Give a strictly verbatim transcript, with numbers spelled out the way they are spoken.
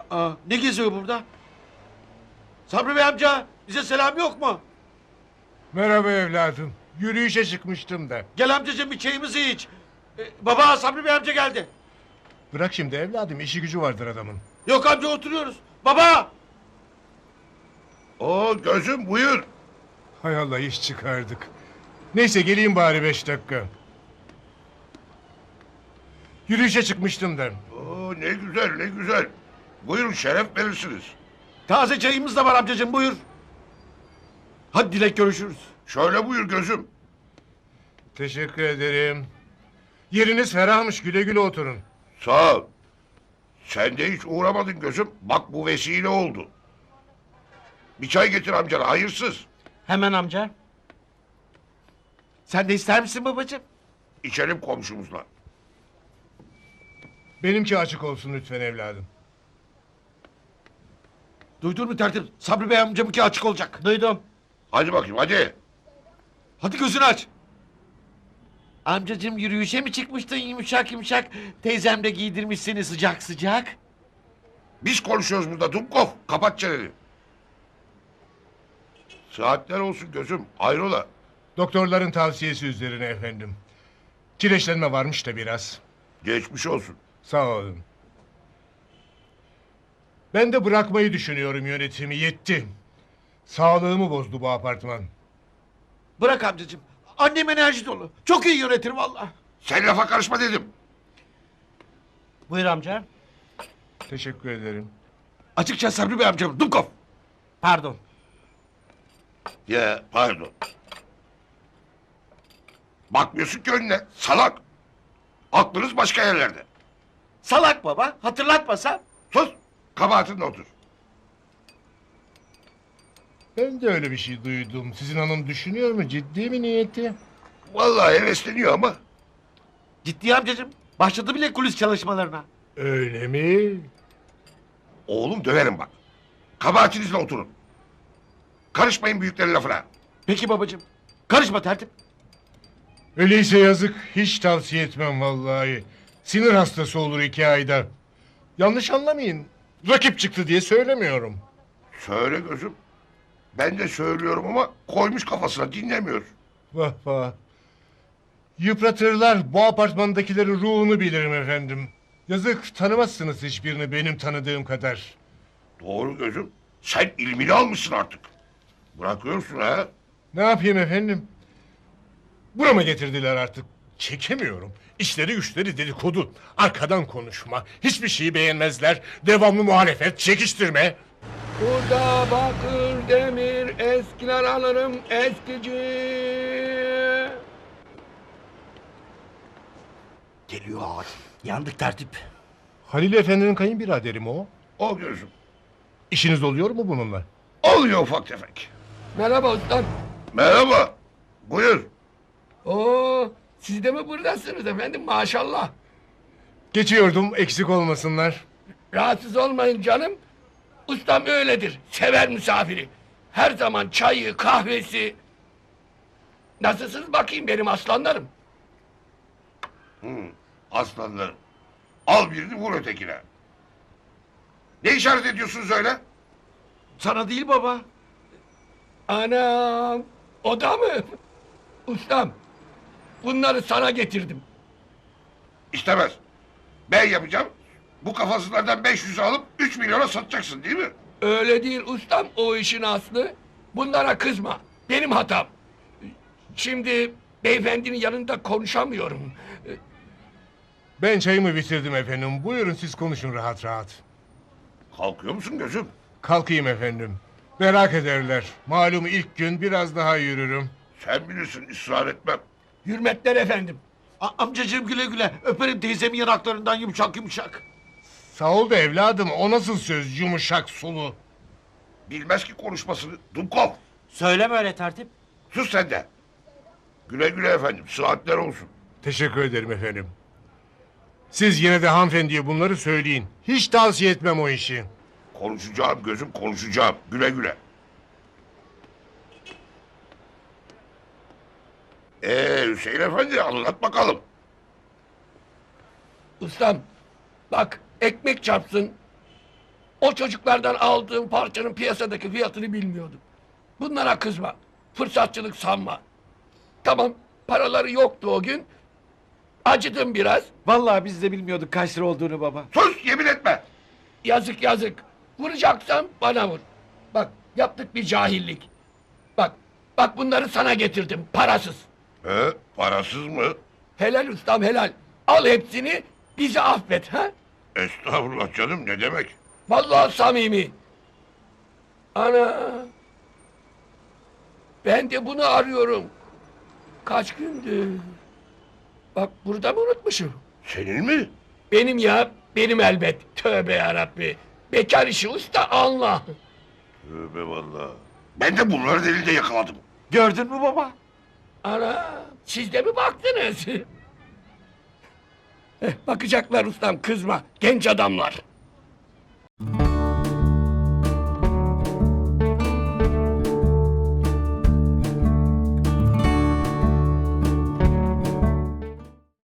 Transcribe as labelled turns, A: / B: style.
A: Aa, ne geziyor burada? Sabri Bey amca, bize selam yok mu?
B: Merhaba evladım. Yürüyüşe çıkmıştım da.
A: Gel amcacığım, bir çayımızı iç. Ee, baba, Sabri Bey amca geldi.
B: Bırak şimdi evladım, işi gücü vardır adamın.
A: Yok amca, oturuyoruz. Baba!
C: Oo gözüm buyur.
B: Hay Allah, iş çıkardık. Neyse geleyim bari beş dakika. Yürüyüşe çıkmıştım da.
C: Oo ne güzel ne güzel. Buyurun şeref verirsiniz.
A: Taze çayımız da var amcacığım, buyur. Hadi Dilek, görüşürüz.
C: Şöyle buyur gözüm.
B: Teşekkür ederim. Yeriniz ferahmış, güle güle oturun.
C: Sağ ol. Sen de hiç uğramadın gözüm. Bak bu vesile oldu. Bir çay getir amcana, hayırsız.
D: Hemen amca.
A: Sen de ister misin babacığım?
C: İçelim komşumuzla.
B: Benimki açık olsun lütfen evladım.
A: Duydun mu tertip? Sabri Bey amcamınki açık olacak.
D: Duydum.
C: Hadi bakayım hadi.
A: Hadi gözünü aç. Amcacığım, yürüyüşe mi çıkmıştın yumuşak yumuşak? Teyzem de giydirmiş seni sıcak sıcak.
C: Biz konuşuyoruz burada Dumkov. Kapat çeneni. Saatler olsun gözüm. Hayrola.
B: Doktorların tavsiyesi üzerine efendim. Kireçlenme varmış da biraz.
C: Geçmiş olsun.
B: Sağ olun. Ben de bırakmayı düşünüyorum yönetimi, yetti. Sağlığımı bozdu bu apartman.
A: Bırak amcacığım. Annem enerji dolu. Çok iyi yönetir vallahi.
C: Sen lafa karışma dedim.
D: Buyur amca.
B: Teşekkür ederim.
A: Açıkça Sabri Bey amcam. Dumkov.
D: Pardon.
C: Ya pardon. Bakmıyorsun ki önüne. Salak. Aklınız başka yerlerde.
A: Salak baba. Hatırlatmasam.
C: Sus. Kabahatinle otur.
B: Ben de öyle bir şey duydum. Sizin hanım düşünüyor mu? Ciddi mi niyeti?
C: Vallahi hevesleniyor ama.
A: Ciddi amcacığım. Başladı bile kulis çalışmalarına.
B: Öyle mi?
C: Oğlum döverim bak. Kabahatinizle oturun. Karışmayın büyüklerin lafına.
A: Peki babacığım. Karışma tertip.
B: Öyleyse yazık. Hiç tavsiye etmem vallahi. Sinir hastası olur iki ayda. Yanlış anlamayın. Rakip çıktı diye söylemiyorum.
C: Söyle gözüm. Ben de söylüyorum ama koymuş kafasına dinlemiyor.
B: Vah vah. Yıpratırlar. Bu apartmandakilerin ruhunu bilirim efendim. Yazık, tanımazsınız hiçbirini benim tanıdığım kadar.
C: Doğru gözüm. Sen ilmini almışsın artık. Bırakıyorsun ha.
B: Ne yapayım efendim? Burama getirdiler artık. Çekemiyorum. İşleri güçleri dedikodu. Arkadan konuşma. Hiçbir şeyi beğenmezler. Devamlı muhalefet, çekiştirme.
E: Burada bakır demir eskiler alırım eskici.
D: Geliyor ağaç. Yandık tertip.
B: Halil Efendi'nin kayınbiraderi mi o?
C: O gözüm.
B: İşiniz oluyor mu bununla?
C: Oluyor ufak tefek.
E: Merhaba ustam.
C: Merhaba. Buyur.
E: Oo, siz de mi buradasınız efendim maşallah.
B: Geçiyordum, eksik olmasınlar.
E: Rahatsız olmayın canım. Ustam öyledir. Sever misafiri. Her zaman çayı, kahvesi. Nasılsınız bakayım benim aslanlarım?
C: Hmm, aslanlarım. Al birini vur ötekine. Ne işaret ediyorsunuz öyle?
A: Sana değil baba.
E: Anam, o da mı? Ustam, bunları sana getirdim.
C: İstemez. Ben yapacağım. Bu kafasızlardan beş yüz alıp üç milyona satacaksın değil mi?
E: Öyle değil ustam, o işin aslı. Bunlara kızma, benim hatam. Şimdi beyefendinin yanında konuşamıyorum.
B: Ben çayımı bitirdim efendim. Buyurun siz konuşun rahat rahat.
C: Kalkıyor musun gözüm?
B: Kalkayım efendim. Merak ederler. Malum ilk gün biraz daha yürürüm.
C: Sen bilirsin ısrar etmem.
E: Hürmetler efendim.
A: A- amcacığım, güle güle. Öperim teyzemin yanaklarından yumuşak yumuşak.
B: Sağ ol da evladım, o nasıl söz, yumuşak sulu.
C: Bilmez ki konuşmasını. Dumkov.
D: Söyleme öyle tertip.
C: Sus sen de. Güle güle efendim. Saatler olsun.
B: Teşekkür ederim efendim. Siz yine de hanımefendiye bunları söyleyin. Hiç tavsiye etmem o işi.
C: Konuşacağım gözüm konuşacağım. Güle güle. Ee Hüseyin Efendi anlat bakalım.
E: Ustam, bak ekmek çarpsın. O çocuklardan aldığım parçanın piyasadaki fiyatını bilmiyordum. Bunlara kızma. Fırsatçılık sanma. Tamam, paraları yoktu o gün. Acıdım biraz.
F: Vallahi biz de bilmiyorduk kaç lira olduğunu baba.
C: Sus, yemin etme.
E: Yazık yazık. Vuracaksam bana vur. Bak, yaptık bir cahillik. Bak, bak bunları sana getirdim, parasız.
C: He, parasız mı?
E: Helal ustam helal. Al hepsini, bizi affet ha.
C: Estağfurullah canım, ne demek?
E: Vallahi samimi. Ana. Ben de bunu arıyorum. Kaç gündür. Bak burada mı unutmuşum?
C: Senin mi?
E: Benim ya, benim elbet. Tövbe yarabbi. Bekar işi usta Allah.
C: Tövbe vallahi. Ben de bunları delilde yakaladım.
F: Gördün mü baba?
E: Ana, siz de mi baktınız? Eh, bakacaklar ustam, kızma. Genç adamlar.